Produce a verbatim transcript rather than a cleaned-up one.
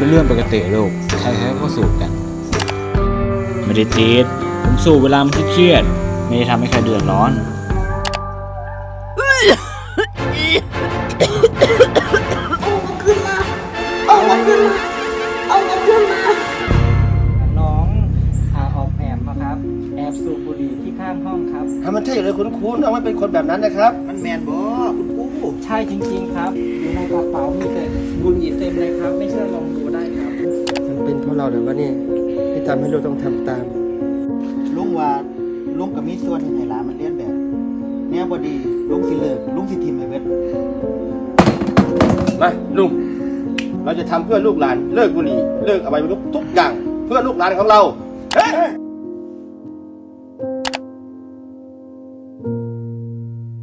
เป็นเรื่องปกติลูกใครๆก็สูบกันไม่ได้ติดผมสูบเวลามันเครียดไม่ได้ทำให้ใครเดือดร้อนเอามาขึ้นมาเอามาขึ้นมาน้องอาออกแอบมาครับแอบสูบบุหรี่ที่ข้างห้องครับถ้ามันใช่เลยคุณครูน้องไม่เป็นคนแบบนั้นนะครับมันแมนบ่คุณครูใช่จริงๆครับอยู่ในกระเป๋ามีแต่บุหรี่เต็มเลยครับไม่เชื่อลองดูได้ครับมันเป็นเพราะเราหรือว่านี่ที่ทำให้เราต้องทำตามลุงว่าลุงก็มีส่วนให้หลานมันเรียนแบบแนวบ่ดีลุงสิเลิกลุงสิทิมให้เบิดมาลุงเราจะทำเพื่อลูกหลานเลิกบุหรี่เลิกอบายมุขทุกอย่างเพื่อลูกหลานของเราเฮ้